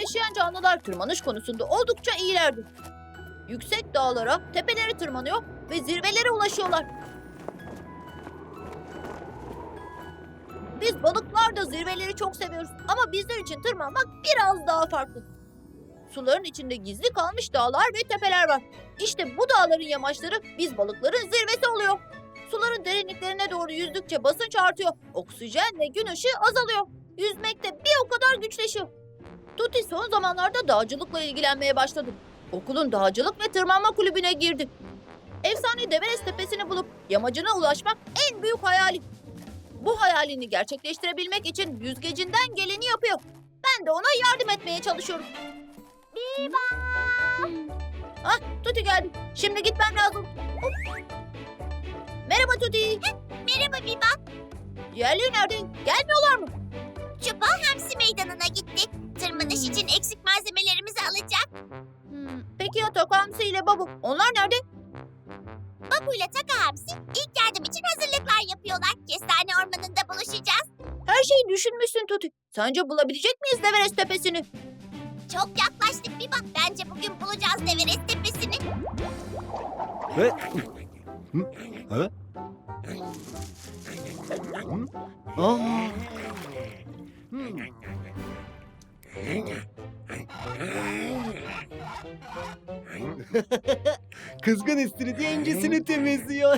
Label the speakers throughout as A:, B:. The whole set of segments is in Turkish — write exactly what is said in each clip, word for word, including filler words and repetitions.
A: yaşayan canlılar tırmanış konusunda oldukça iyilerdir. Yüksek dağlara, tepelere tırmanıyor ve zirvelere ulaşıyorlar. Biz balıklar da zirveleri çok seviyoruz ama bizler için tırmanmak biraz daha farklı. Suların içinde gizli kalmış dağlar ve tepeler var. İşte bu dağların yamaçları biz balıkların zirvesi oluyor. Suların derinliklerine doğru yüzdükçe basınç artıyor. Oksijen ve gün ışığı azalıyor. Yüzmek de bir o kadar güçleşiyor. Tuti son zamanlarda dağcılıkla ilgilenmeye başladı. Okulun dağcılık ve tırmanma kulübüne girdi. Efsane Everest tepesini bulup yamacına ulaşmak en büyük hayali. Bu hayalini gerçekleştirebilmek için yüzgecinden geleni yapıyor. Ben de ona yardım etmeye çalışıyorum.
B: Biba!
A: Ah, Tuti geldi. Şimdi gitmem lazım. Hop. Merhaba Tuti.
B: Merhaba Biba.
A: Diğerleri nerede? Gelmiyorlar mı?
B: Çupa Hamsi Meydanı'na gittik. Tırmanış için eksik malzemelerimizi alacak.
A: Hmm, peki ya Takamsi ile Babu? Onlar nerede?
B: Babu ile Taka Hamsi ilk yardım için hazırlıklar yapıyorlar. Kestane ormanında buluşacağız.
A: Her şeyi düşünmüşsün Tuti. Sence bulabilecek miyiz Everest tepesini?
B: Çok yaklaştık Biba. Bence bugün bulacağız Everest tepesini.
C: Ve... Hı? Ha? Hı? Aa! Hmm. Kızgın istiridye incisini temizliyor.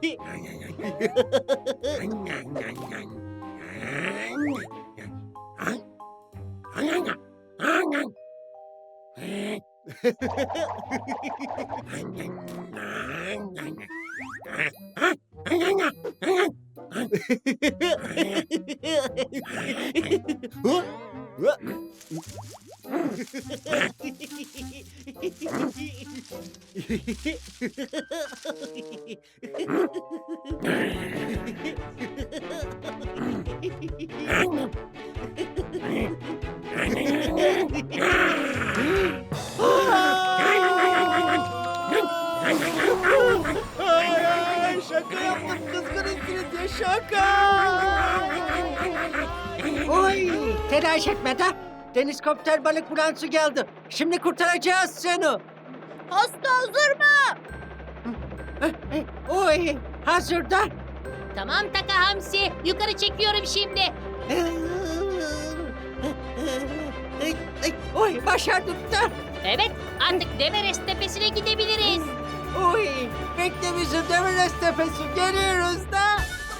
C: Hı? Hı? Ay, şaka yaptım kızgın istiridye şaka.
D: Oy, telaş etme de. Denizkopter balık bulansı geldi. Şimdi kurtaracağız seni.
A: Hasta hazır mı?
D: Oy, hazırda.
E: Tamam Taka Hamsi, yukarı çekiyorum şimdi.
D: Oy, başardık da.
E: Evet, artık Everest tepesine gidebiliriz.
D: Oy, bekle bizi Everest tepesi geliyoruz da.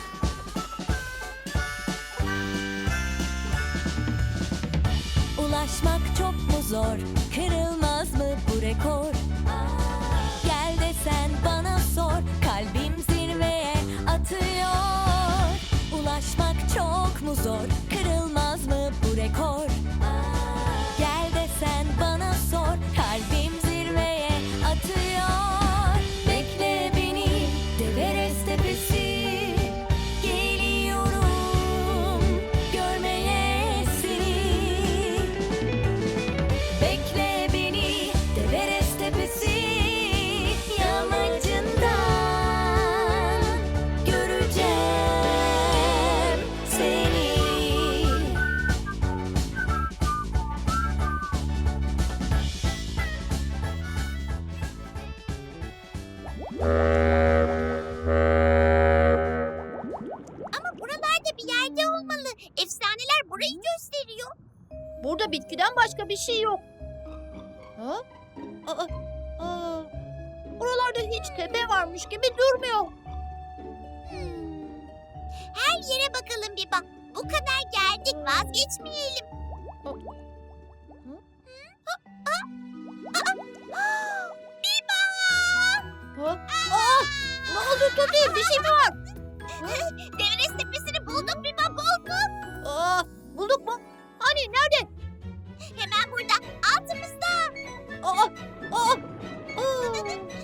F: Ulaşmak çok mu zor? Kırılmaz mı bu rekor? Gel de sen bana sor. Kalbim zirveye atıyor. Ulaşmak çok mu zor? Kırılmaz mı bu rekor? Gel de sen bana sor. Kalbim zirveye atıyor. Bekle beni Everest tepesi. Geliyorum görmeye seni. Bekle beni Everest tepesi yamacından göreceğim seni.
B: Ama buralarda bir yerde olmalı. Efsaneler burayı gösteriyor.
A: Burada bitkiden başka bir şey yok. Ha? Aa, aa. Buralarda hiç tepe varmış gibi durmuyor.
B: Hmm. Her yere bakalım Biba. Bu kadar geldik, vazgeçmeyelim.
A: Hı?
B: Hı? Aa! Aa! Biba!
A: Ha? Aa, ne oldu Tuti? Bir şey mi var?
B: Everest tepesini bulduk Biba, bulduk.
A: Aa, bulduk mu? Hani nerede?
B: Hemen burada, altımızda.
A: Aa, aa, aa.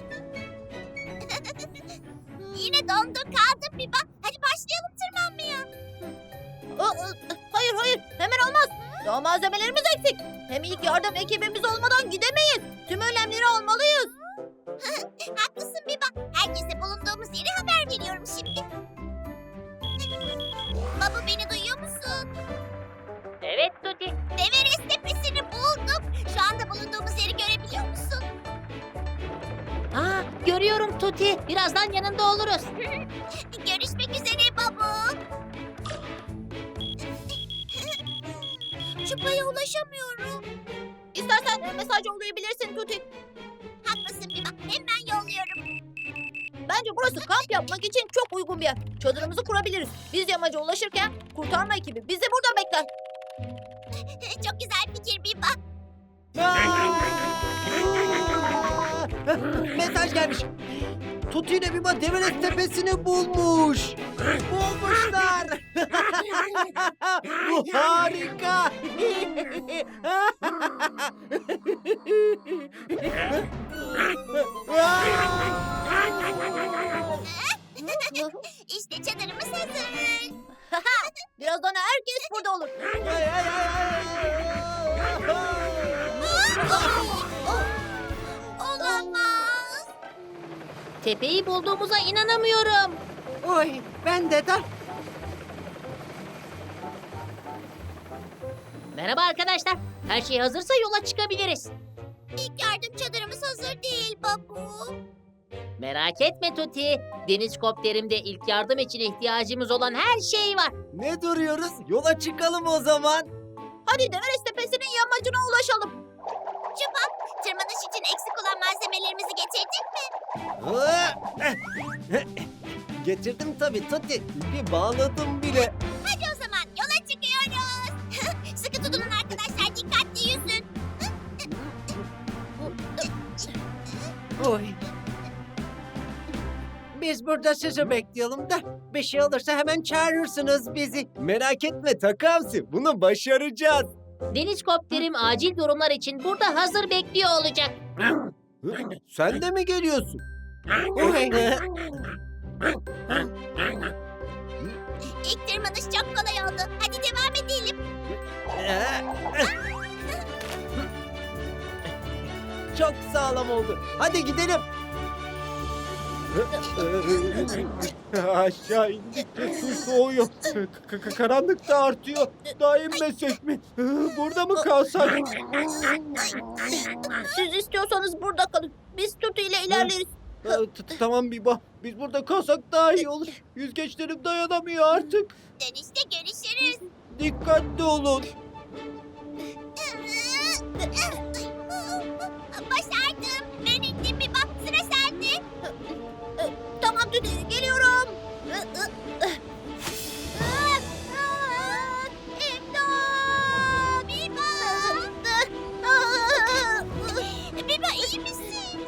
B: Yine dondun kaldın Biba. Hadi başlayalım tırmanmaya.
A: Aa, aa, hayır hayır, hemen olmaz. Daha malzemelerimiz eksik. Hem ilk yardım ekibimiz olmadan gidemeyiz. Tüm önlemleri almalıyız.
B: Haklısın Biba. Herkese bulunduğumuz yeri haber veriyorum şimdi. Baba beni duyuyor musun?
E: Evet Tuti.
B: Everest tepesini bulduk.
E: Görüyorum Tuti. Birazdan yanında oluruz.
B: Görüşmek üzere babu. Çupa'ya ulaşamıyorum.
A: İstersen e, mesaj yollayabilirsin Tuti.
B: Haklısın Biba. Hemen yolluyorum.
A: Bence burası kamp yapmak için çok uygun bir yer. Çadırımızı kurabiliriz. Biz yamaca ulaşırken kurtarma ekibi bizi burada bekler.
B: Çok güzel fikir Biba.
C: Mesaj gelmiş. Tutu ile Biba Deveres Tepesi'ni bulmuş. Bulmuşlar. Bu harika.
B: İşte çadırımız hazır.
A: Birazdan herkes burada olur.
C: Ay, ay, ay,
B: Olamaz.
E: Tepeyi bulduğumuza inanamıyorum.
D: Oy ben de de.
E: Merhaba arkadaşlar. Her şey hazırsa yola çıkabiliriz.
B: İlk yardım çadırımız hazır değil babu.
E: Merak etme Tuti. Deniz kopterimde ilk yardım için ihtiyacımız olan her şey var.
C: Ne duruyoruz? Yola çıkalım o zaman.
A: Hadi Deveres Tepesi'nin yamacına ulaşalım.
B: Çupa, tırmanış için eksik olan malzemelerimizi getirdin mi?
C: Getirdim tabii Tuti. İpi bağladım bile.
B: Hadi o zaman yola çıkıyoruz. Sıkı tutunun arkadaşlar, dikkatli yüzün.
D: Oy. Biz burada sizi bekleyelim da bir şey olursa hemen çağırırsınız bizi.
C: Merak etme Takamsi. Bunu başaracağız.
E: Deniz kopterim acil durumlar için burada hazır bekliyor olacak.
C: Sen de mi geliyorsun?
D: Oy.
B: İlk tırmanış çok kolay oldu. Hadi devam edelim.
C: Çok sağlam oldu. Hadi gidelim. Aşağı indikçe su soğuyor. K- k- karanlık da artıyor. Daha inmesek mi? Burada mı kalsak?
A: Siz istiyorsanız burada kalın. Biz Tuti ile ilerleriz.
C: T- t- Tamam Biba. Biz burada kalsak daha iyi olur. Yüzgeçlerim dayanamıyor artık.
B: Dönüşte görüşürüz.
C: Dikkatli olun.
B: Başardım. Ben indim bir bak, sıra sende.
A: Tamam Tuti, geliyorum.
B: İmdat! Biba! Biba iyi misin?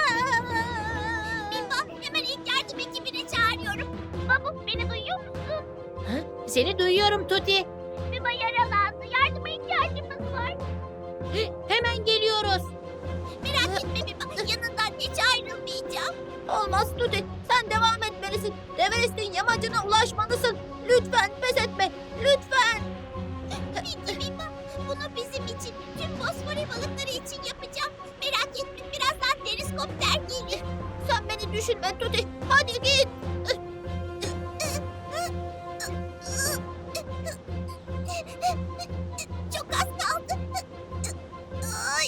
B: Biba hemen ilk yardım ekibine çağırıyorum. Babu beni duyuyor musun?
E: Seni duyuyorum Tuti.
B: Biba yaralandı. Yardıma ihtiyacımız var.
E: Hemen geliyoruz.
B: Merak etme Biba. Yanından hiç ayrılmayacağım.
A: Olmaz Tuti, sen devam etmelisin. Deveres'in yamacına ulaşmalısın. Lütfen pes etme, lütfen.
B: Peki Biba. Bunu bizim için, tüm fosfori balıkları için yapacağım. Merak etme. Birazdan deniz kopter gelir.
A: Sen beni düşünme Tuti, hadi git.
B: Çok az kaldı. Ay.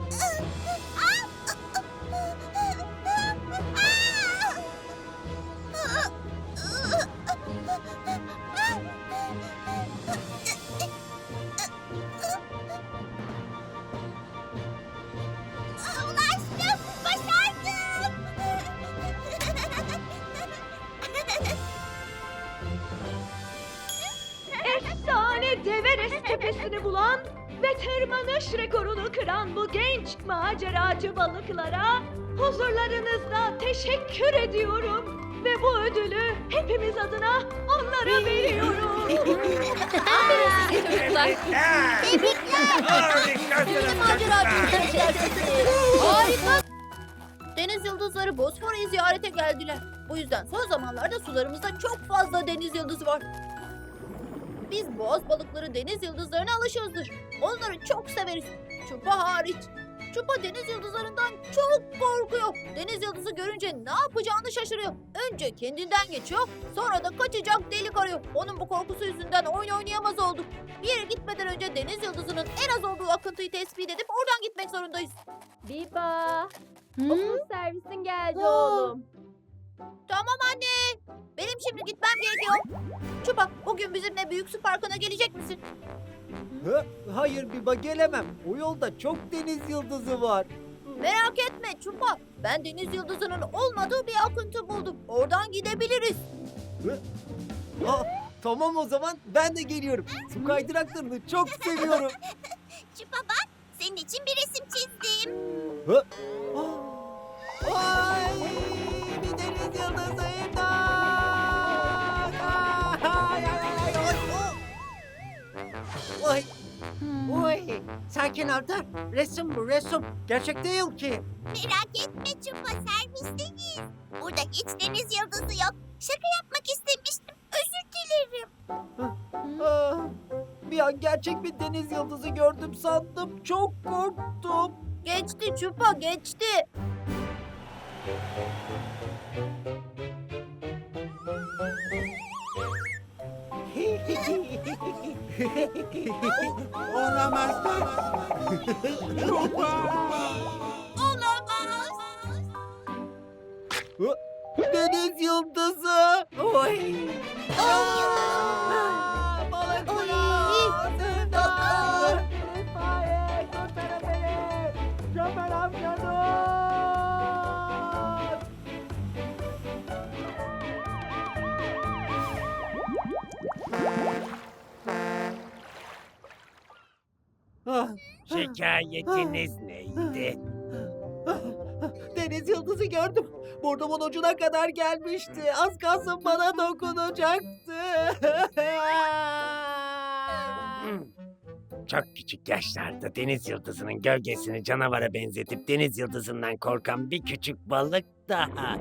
B: Ulaştım. Başardım.
G: Efsane Deveres Tepesi'ni bulan ve tırmanış rekorunu kıran bu genç maceracı balıklara huzurlarınızda teşekkür ediyorum. Ve bu ödülü hepimiz adına onlara veriyorum.
E: Çocuklar.
A: Şimdi maceracı Harika. Deniz yıldızları Bosfor'u ziyarete geldiler. Bu yüzden son zamanlarda sularımızda çok fazla deniz yıldızı var. Biz boğaz balıkları deniz yıldızlarına alışığızdır. Onları çok severiz. Çupa hariç. Çupa deniz yıldızlarından çok korkuyor. Deniz yıldızı görünce ne yapacağını şaşırıyor. Önce kendinden geçiyor, sonra da kaçacak delik arıyor. Onun bu korkusu yüzünden oyun oynayamaz olduk. Bir yere gitmeden önce deniz yıldızının en az olduğu akıntıyı tespit edip oradan gitmek zorundayız.
G: Biba, Okul servisin geldi
A: Aa.
G: oğlum.
A: Tamam anne. Benim şimdi gitmem gerekiyor. Çupa bugün bizimle büyük su parkına gelecek misin?
C: Hı? Hayır Biba, gelemem. O yolda çok deniz yıldızı var.
A: Merak etme Çupa. Ben deniz yıldızının olmadığı bir akıntı buldum. Oradan gidebiliriz.
C: Aa, tamam o zaman ben de geliyorum. Su kaydıraklarını çok seviyorum.
B: Çupa bak, senin için bir resim çizdim.
C: Hı? Aa, ay, bir deniz yıldızı imdat! Ay, ay, ay, ay, ay. Ay,
D: Oy, sakin ol da. Resim bu resim. Gerçek değil ki.
B: Merak etme Çupa, servisteyiz. Burada hiç deniz yıldızı yok. Şaka yapmak istemiştim. Özür dilerim.
C: ah, bir an gerçek bir deniz yıldızı gördüm sandım. Çok korktum.
A: Geçti Çupa geçti.
C: Olamaz.
B: Olamaz.
C: Deniz yıldızı.
D: Oy.
C: Aa, balıklar. İmdat! İtfaiye, kurtarın beni. Şoför amca dur. Ah,
H: Şikayetiniz neydi?
C: deniz yıldızı gördüm. Burnumun ucuna kadar gelmişti. Az kalsın bana dokunacaktı.
H: Hmm. Çok küçük yaşlarda deniz yıldızının gölgesini canavara benzetip deniz yıldızından korkan bir küçük balık daha.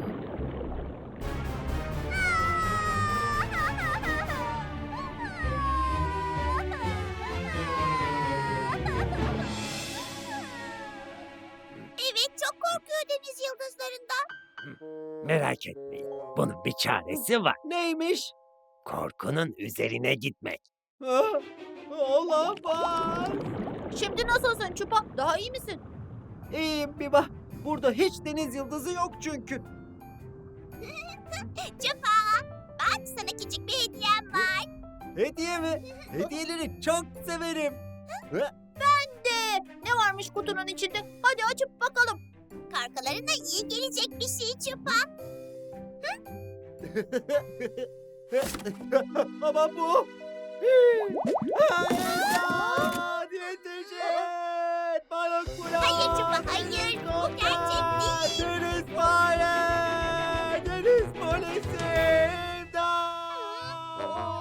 B: Evet, çok korkuyor deniz yıldızlarından.
H: Merak etmeyin, bunun bir çaresi var.
C: Neymiş?
H: Korkunun üzerine gitmek.
C: Ah, olamaz.
A: Şimdi nasılsın Çupa? Daha iyi misin?
C: İyiyim Biba. Burada hiç deniz yıldızı yok çünkü.
B: Çupa, bak sana küçük bir hediyem var.
C: Hediye mi? Hediyeleri çok severim.
A: De ne varmış kutunun içinde? Hadi açıp bakalım.
B: Korkularına iyi gelecek bir şey Çupa.
C: Ama bu... Hayır! Yetişin! Balık bulan!
B: Hayır Çupa, hayır. Bu gerçek değil.
C: Deniz fare! Deniz polisi! İmdat!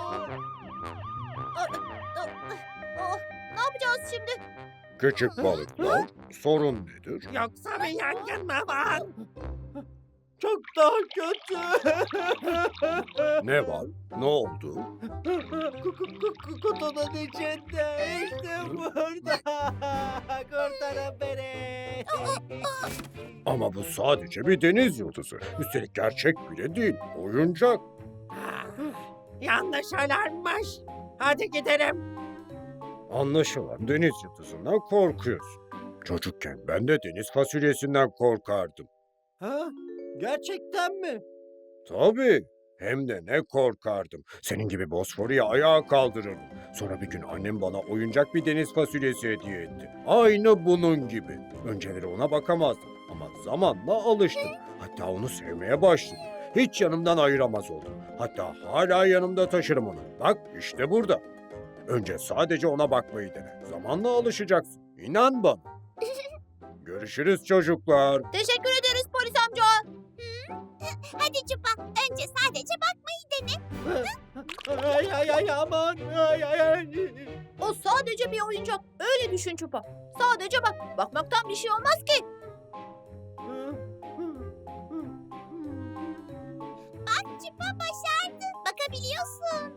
A: Oh, ne yapacağız şimdi?
I: Küçük balıklar, sorun nedir?
H: Yoksa bir yangın mı var?
C: Çok daha kötü.
I: Ne var? Ne oldu?
C: Ku- ku- ku- ku- Kutunun içinde. İşte burada. Kurtarın beni.
I: Ama bu sadece bir deniz yıldızı. Üstelik gerçek bile değil, oyuncak.
H: Ah, yanlış alarmmış. Hadi gidelim.
I: Anlaşılan deniz yıldızından korkuyorsun. Çocukken ben de deniz fasulyesinden korkardım.
C: Ha? Gerçekten mi?
I: Tabii. Hem de ne korkardım. Senin gibi Bosfor'u ayağa kaldırırdım. Sonra bir gün annem bana oyuncak bir deniz fasulyesi hediye etti. Aynı bunun gibi. Önceleri ona bakamazdım ama zamanla alıştım. Hatta onu sevmeye başladım. Hiç yanımdan ayıramaz oldum. Hatta hala yanımda taşırım onu. Bak işte burada. Önce sadece ona bakmayı dene. Zamanla alışacaksın. İnan bana. Görüşürüz çocuklar.
A: Teşekkür ederiz polis amca.
B: Hadi Çupa, önce sadece bakmayı dene.
C: Ay ay ay aman. Ay ay ay.
A: O sadece bir oyuncak. Öyle düşün Çupa. Sadece bak. Bakmaktan bir şey olmaz ki.
B: Bak Çupa başardı. Bakabiliyorsun.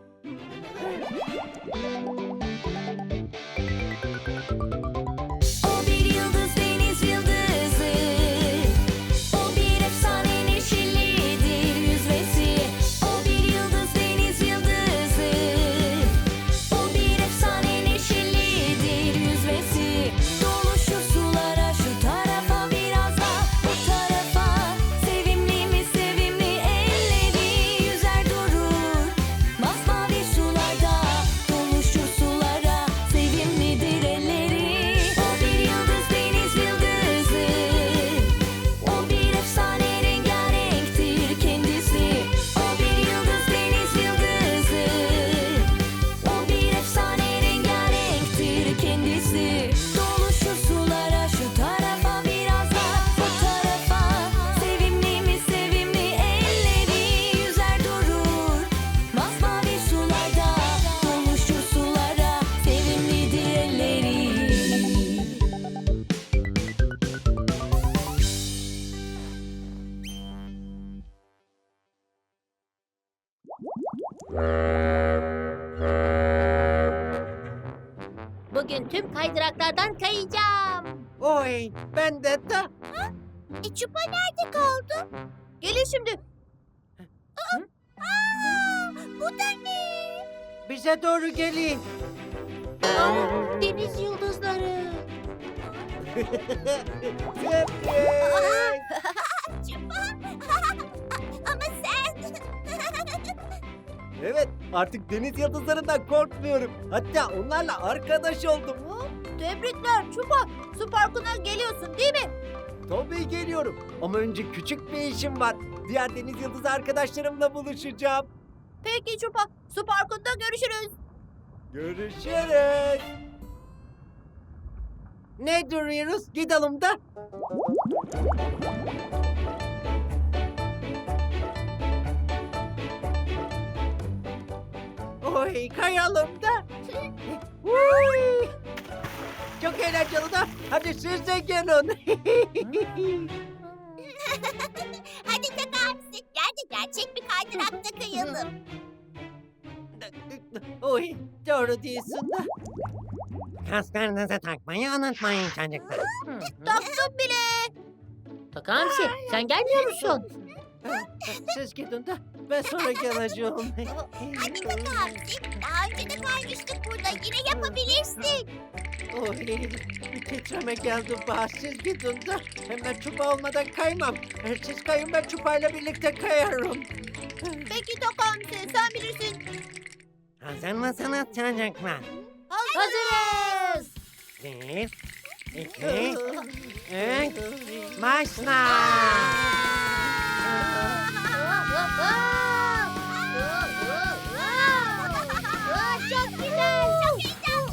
F: O bir yıldız deniz yıldızı. O bir efsane neşelidir yüzmesi. O bir yıldız deniz yıldızı. O bir efsane neşelidir yüzmesi. Dolu şu sulara şu tarafa biraz daha.
E: tüm kaydıraklardan kayacağım.
D: Oy, ben de de.
B: E Çupa nerede kaldı?
A: Gelin şimdi.
B: Aa, bu da ne?
D: Bize doğru gelin.
E: Deniz yıldızları.
B: Çupa. Ama sen...
C: Evet, artık deniz yıldızlarından korkmuyorum. Hatta onlarla arkadaş oldum.
A: Tebrikler Çupa. Su parkına geliyorsun değil mi?
C: Tabii geliyorum. Ama önce küçük bir işim var. Diğer deniz yıldızı arkadaşlarımla buluşacağım.
A: Peki Çupa. Su parkında görüşürüz.
C: Görüşürüz.
D: Ne duruyoruz? Gidelim de. Oy, kayalım da. Uy. Çok eğlenceli da. Hadi siz de gelin.
B: Hadi Takamsi, gel de gerçek bir kaydırakta kayalım.
D: Oy, doğru diyorsun da.
H: Kasklarınızı takmayı unutmayın çocuklar.
A: Taktım bile.
E: Takamsi sen gelmiyor musun?
D: Siz gidin de ben sonra geleceğim.
B: Hadi Takamsi, daha önce de kaymıştık burada. Yine yapabilirsin.
D: Oy, bir titreme geldi bana. Siz gidin de hemen çupa olmadan kaymam. Eğer siz kayın ben çupayla birlikte kayarım.
A: Peki Takamsi sen bilirsin.
H: Hazır mısınız çocuklar?
A: Hazırız.
H: Bir, iki, üç, başla!
B: Çok güzel, çok heyecanlı.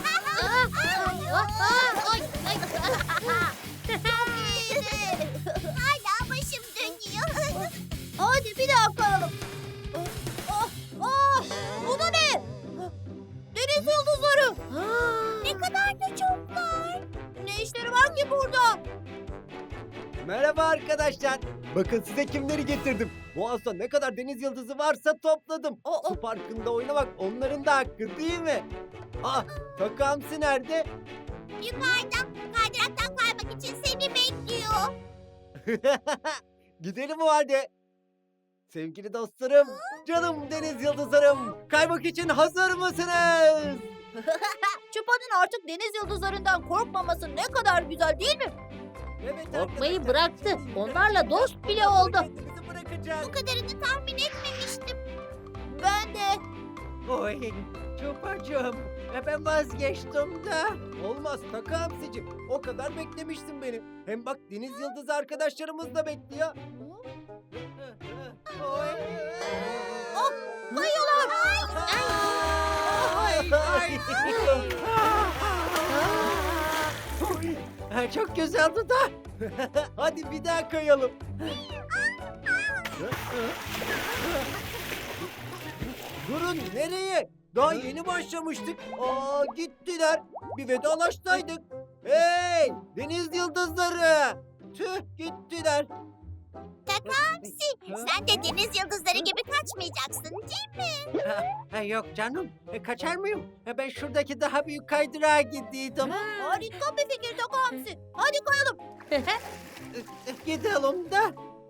B: Hala başım dönüyor.
A: Hadi bir daha kayalım. Oh, oh, bu da ne? Deniz yıldızları.
B: Ne kadar da çoklar.
A: Ne işleri var ki burada?
C: Merhaba arkadaşlar. Bakın size kimleri getirdim. Boğaz'da ne kadar deniz yıldızı varsa topladım.
A: O,
C: Su parkında oynamak onların da hakkı değil mi? Aa, Takamsi nerede?
B: Yukarıda kaydıraktan kaymak için seni bekliyor.
C: Gidelim o halde. Sevgili dostlarım, canım deniz yıldızlarım. Kaymak için hazır mısınız?
A: Çupa'nın artık deniz yıldızlarından korkmaması ne kadar güzel değil mi?
C: Evet
E: Korkmayı
C: arkadaşlar.
E: bıraktı. Onlarla dost bile oldu.
C: Kendinizi bırakacak.
B: Bu kadarını tahmin etmemiştim.
A: Ben de.
D: Oy, çupacığım. E ben vazgeçtim de.
C: Olmaz Takamsi'cim. O kadar beklemişsin beni. Hem bak deniz yıldızı arkadaşlarımız da bekliyor. Oy.
A: Oh, kayıyorlar.
D: Ay, ay. Ha, çok güzeldi da.
C: Hadi bir daha kayalım. Durun nereye? Daha yeni başlamıştık. Aa gittiler. Bir vedalaşsaydık. Hey deniz yıldızları. Tüh gittiler.
B: Takamsi, sen de deniz yıldızları gibi kaçmayacaksın değil mi?
D: Ha, ha, yok canım. E, kaçar mıyım? E, ben şuradaki daha büyük kaydırağa gidiyordum.
A: Harika bir fikir Takamsi. Hadi kayalım.
D: E, e, Gidelim de.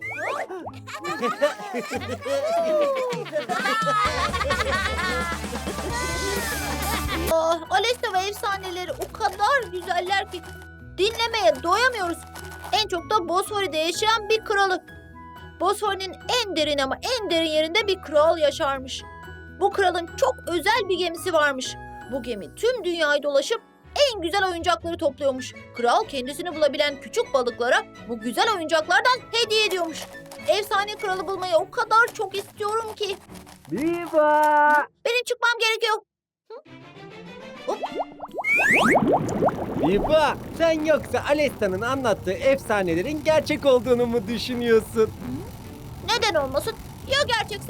A: Ah, Alesta ve efsaneleri o kadar güzeller ki dinlemeye doyamıyoruz. En çok da Bosfori'de yaşayan bir kralı. Bosfori'nin en derin ama en derin yerinde bir kral yaşarmış. Bu kralın çok özel bir gemisi varmış. Bu gemi tüm dünyayı dolaşıp en güzel oyuncakları topluyormuş. Kral kendisini bulabilen küçük balıklara bu güzel oyuncaklardan hediye ediyormuş. Efsane kralı bulmayı o kadar çok istiyorum ki.
C: Viva!
A: Benim çıkmam gerekiyor.
C: Viva! Sen yoksa Alesta'nın anlattığı efsanelerin gerçek olduğunu mu düşünüyorsun?
A: Neden olmasın? Ya gerçekse?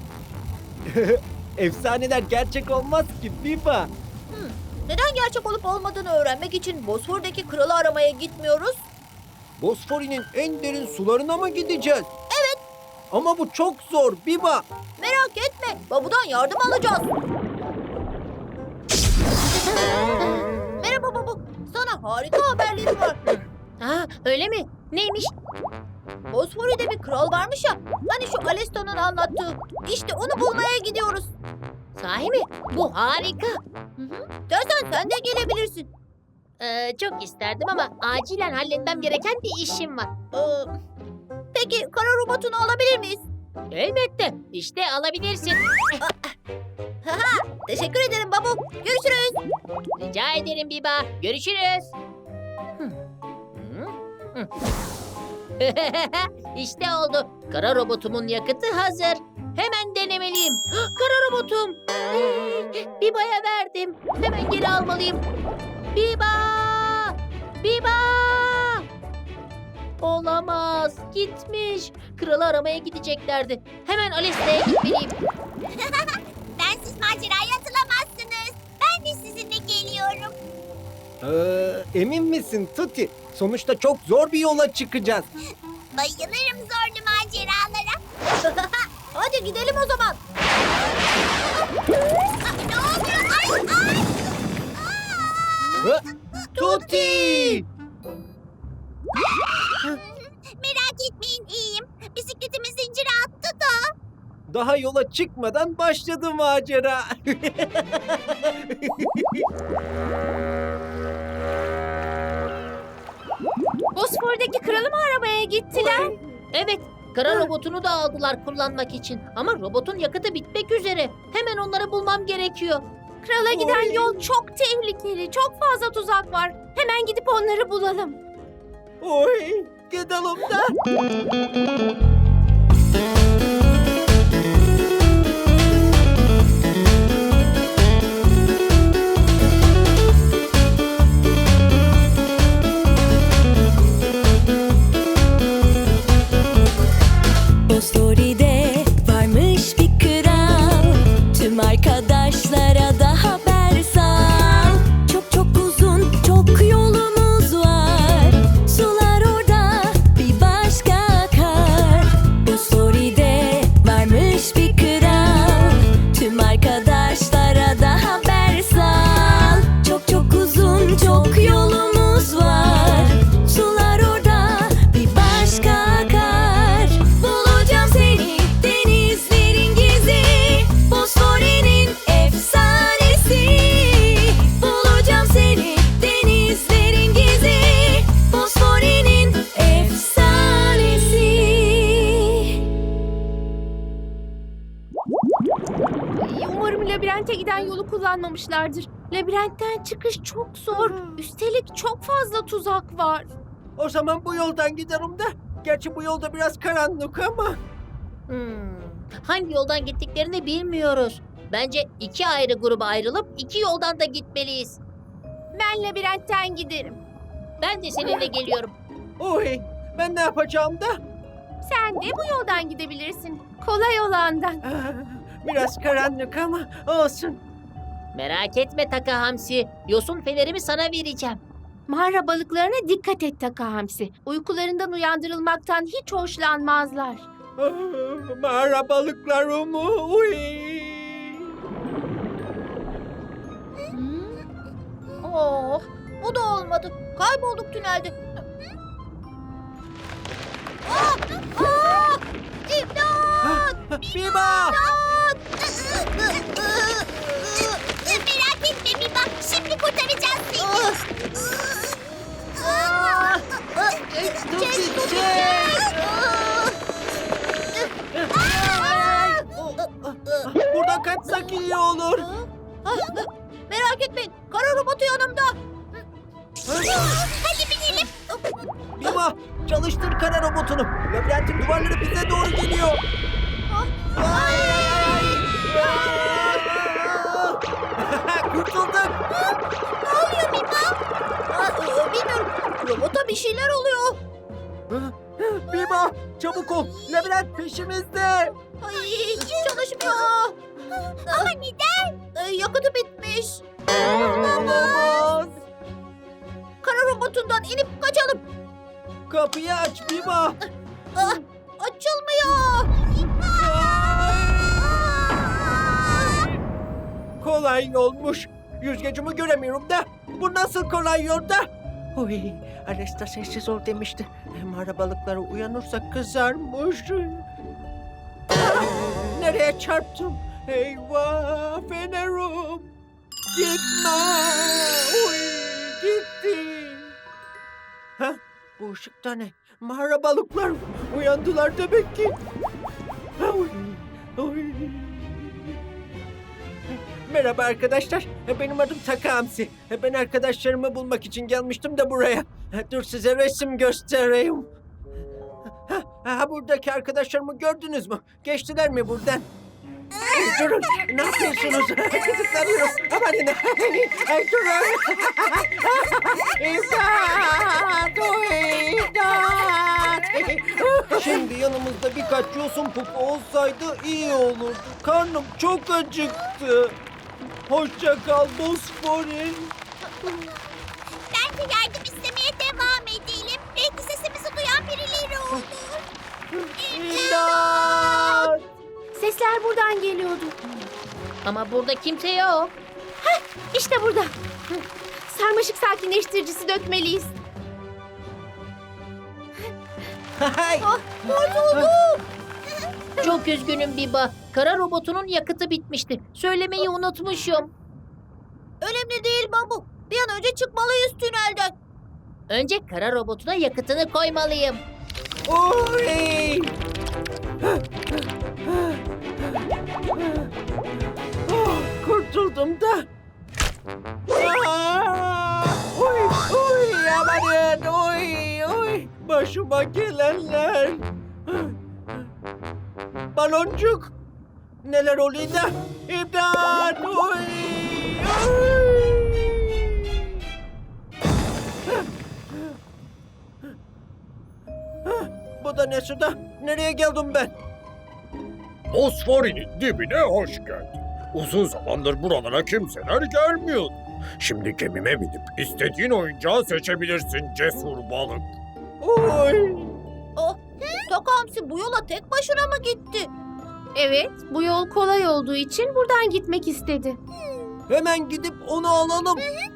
C: Efsaneler gerçek olmaz ki Viva.
A: Neden gerçek olup olmadığını öğrenmek için Bosfor'daki kralı aramaya gitmiyoruz?
C: Bosfori'nin en derin sularına mı gideceğiz? Evet. Ama bu çok zor Viva.
A: Merak etme, babudan yardım alacağız. harika haberlerim var.
E: Ha, öyle mi? Neymiş?
A: Bosfori'de bir kral varmış ya. Hani şu Alesta'nın anlattığı. İşte onu bulmaya gidiyoruz.
E: Sahi mi? Bu harika.
A: Dersen sen de gelebilirsin.
E: Ee, çok isterdim ama acilen halletmem gereken bir işim var.
A: Ee, peki kara robotunu alabilir miyiz?
E: Elbette. İşte alabilirsin.
A: Teşekkür ederim babu. Görüşürüz.
E: Rica ederim Biba. Görüşürüz. Hı. Hı. Hı. İşte oldu. Kara robotumun yakıtı hazır. Hemen denemeliyim. Kara robotum. Biba'ya verdim. Hemen geri almalıyım. Biba! Biba! Olamaz. Gitmiş. Kralı aramaya gideceklerdi. Hemen Alesta'ya gitmeliyim.
B: Bensiz maceraya atılamazsınız. Ben de sizinle geliyorum.
C: Ee, emin misin Tuti? Sonuçta çok zor bir yola çıkacağız.
B: Bayılırım zorlu maceralara.
A: Hadi gidelim o zaman.
B: Ne oluyor? Ay ay!
C: Hı? Tuti!
B: Merak etmeyin iyiyim. Bisikletimi zincire attı da.
C: Daha yola çıkmadan başladı macera.
G: Bosfor'daki kralı mı aramaya gittiler?
E: Evet, kara robotunu da aldılar kullanmak için. Ama robotun yakıtı bitmek üzere. Hemen onları bulmam gerekiyor.
G: Krala giden yol çok tehlikeli. Çok fazla tuzak var. Hemen gidip onları bulalım.
C: Oy, gidelim de.
F: Bosfori'de varmış bir kral. Tüm arkadaşlara da haber sal. Çok çok uzun, çok yolumuz var. Sular orada bir başka akar. Bosfori'de varmış bir kral. Tüm arkadaşlara da haber sal. Çok çok uzun, çok yolumuz var. Sular orada bir başka akar. Bulacağım seni denizlerin gezi. Bosfori'nin efsanesi. Bulacağım seni denizlerin gezi. Bosfori'nin efsanesi.
G: Umarım labirente giden yolu kullanmamışlardır. Labirentten çıkış çok zor. Üstelik çok fazla tuzak var.
D: O zaman bu yoldan giderim de. Gerçi bu yolda biraz karanlık ama.
E: Hmm, hangi yoldan gittiklerini bilmiyoruz. Bence iki ayrı gruba ayrılıp iki yoldan da gitmeliyiz.
G: Ben labirentten giderim.
E: Ben de seninle geliyorum.
D: Oy, ben ne yapacağım da?
G: Sen de bu yoldan gidebilirsin. Kolay olandan.
D: Ah, biraz karanlık ama olsun.
E: Merak etme Taka Hamsi. Yosun fenerimi sana vereceğim.
G: Mağara balıklarına dikkat et Taka Hamsi. Uykularından uyandırılmaktan hiç hoşlanmazlar.
D: Ah, mağara balıklarım. Uy.
A: Oh, bu da olmadı. Kaybolduk tünelde. Ah! Ah! İmdat!
D: Biba!
B: Merak etme Biba. Şimdi kurtaracağız seni.
A: Ah! Çek, tut, çek!
D: Buradan kaçsak iyi olur.
A: Ah, merak etmeyin. Kara robotu yanımda.
B: Hadi binelim.
C: Biba, çalıştır kara robotunu. Labirentin duvarları bize doğru geliyor.
A: Ay!
C: Kurtulduk.
A: Ne oluyor Biba? Ah, e, bilmiyorum. Robota bir şeyler oluyor.
C: Biba, çabuk ol. Labirent peşimizde.
A: Ay, hiç çalışmıyor.
B: Ama neden?
A: E, yakıtı bitmiş.
C: Olamaz.
A: Kara robotundan inip kaçalım.
C: Kapıyı aç Biba.
A: Ah, açılmıyor.
D: Kolay yolmuş. Yüzgecimi göremiyorum da. Bu nasıl kolay yolda? Oy, Alesta sessiz ol demişti. Mağara balıkları uyanırsa kızarmış. Nereye çarptım? Eyvah fenerum. Gitme. Oy, gitti. Ha, bu ışıkta ne? Mağara balıklar uyandılar demek ki. Oy, oy. Merhaba arkadaşlar. Benim adım Taka Hamsi. Ben arkadaşlarımı bulmak için gelmiştim de buraya. Dur size resim göstereyim. Ha, ha, buradaki arkadaşlarımı gördünüz mü? Geçtiler mi buradan? Ay, durun. Ne yapıyorsunuz? Kızıklanıyorum. Amanın. Ay, durun. İmdat! İmdat!
C: Şimdi yanımızda birkaç yosun pupu olsaydı iyi olurdu. Karnım çok acıktı. Hoşça kal Bosfor'in.
B: Bence yardım istemeye devam edelim. Belki sesimizi duyan birileri olur.
C: İmdat!
G: Sesler buradan geliyordu.
E: Ama burada kimse yok.
G: İşte burada. Hı. Sarmaşık sakinleştiricisi dökmeliyiz.
C: Hay!
E: Çok üzgünüm Biba. Kara robotunun yakıtı bitmişti. Söylemeyi unutmuşum.
A: Önemli değil Babu. Bir an önce çıkmalıyız tünelden.
E: Önce kara robotuna yakıtını koymalıyım.
D: Oy! Oh, kurtuldum da. Aa! Oy, oy, amanın, oy, oy. Başıma gelenler. Baloncuk. Neler oluyor da? İmdat, oy, oy. Bu da ne suda? Nereye geldim ben?
I: Bosfor'un dibine hoş geldin. Uzun zamandır buralara kimseler gelmiyordu. Şimdi gemime binip istediğin oyuncağı seçebilirsin cesur balık.
D: Oy!
A: Oh, Taka Hamsi bu yola tek başına mı gitti?
G: Evet, bu yol kolay olduğu için buradan gitmek istedi.
C: Hemen gidip onu alalım.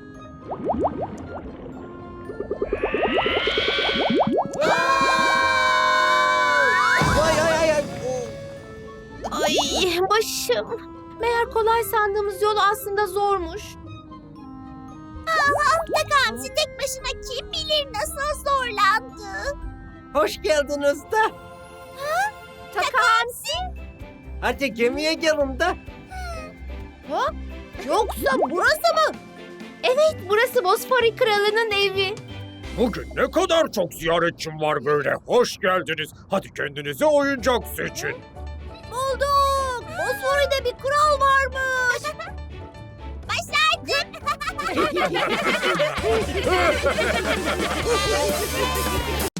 C: Ay ay ay ay.
G: Ay başım. Meğer kolay sandığımız yol aslında zormuş.
B: Taka Hamsi tek başına kim bilir nasıl zorlandı.
D: Hoş geldiniz da.
G: Taka Hamsi.
D: Hadi gemiye gelin de.
A: Yoksa burası mı?
G: Evet, burası Bosfori Kralı'nın evi.
I: Bugün ne kadar çok ziyaretçim var böyle. Hoş geldiniz. Hadi kendinize oyuncak seçin.
A: Bulduk. Bosfori'de bir kral varmış.
B: Başardım.